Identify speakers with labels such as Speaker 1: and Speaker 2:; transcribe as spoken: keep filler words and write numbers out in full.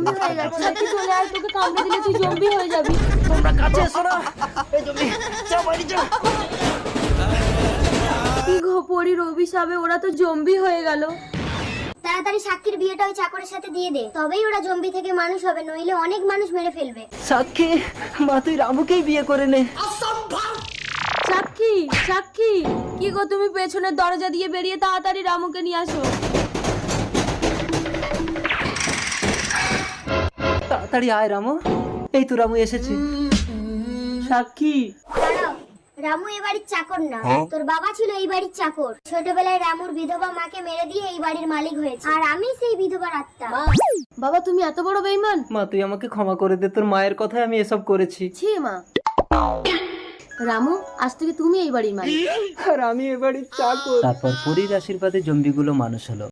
Speaker 1: Zombie হয়ে গেছে। সাথী চলে আয়, তোকে কামড়ে দিলে তুই জম্বি হয়ে যাবি।
Speaker 2: তোমরা কাছে এসো না। এই জমি যাও বাড়ি যাও।
Speaker 1: কি গো, পরির অভিশাপে ওরা তো জম্বি হয়ে গেল।
Speaker 3: তাড়াতাড়ি সাক্ষীর বিয়েটা ওই চাকরের সাথে দিয়ে দে, তবেই ওরা জম্বি থেকে মানুষ হবে, নইলে অনেক মানুষ মেরে ফেলবে।
Speaker 2: সাক্ষী, মা তুই রামুকেই বিয়ে করে নে।
Speaker 1: সাক্ষী, সাক্ষী, কি গো তুমি পেছনের দরজা দিয়ে বেরিয়ে তাড়াতাড়ি রামুকে নিয়ে আসো।
Speaker 2: তাড়াতাড়ি আয় রামু। এই তো রামু এসেছে। সাক্ষী,
Speaker 3: দাঁড়াও, রামু এই বাড়ির চাকর না, তোর বাবা ছিল এই বাড়ির চাকর। ছোটবেলায় রামুর বিধবা মাকে মেরে দিয়ে এই বাড়ির মালিক হয়েছে, আর আমি সেই বিধবার আত্মা।
Speaker 1: বাবা তুমি এত বড় বেঈমান?
Speaker 2: মা তুই আমাকে ক্ষমা করে দে, তোর মায়ের কথায় আমি এসব করেছি।
Speaker 1: ছি মা। রামু, আজ থেকে তুমি এই বাড়ির মালিক।
Speaker 2: আর আমি এ বাড়ির চাকর। তারপর পরীর আশীর্বাদে জম্বিগুলো মানুষ হলো।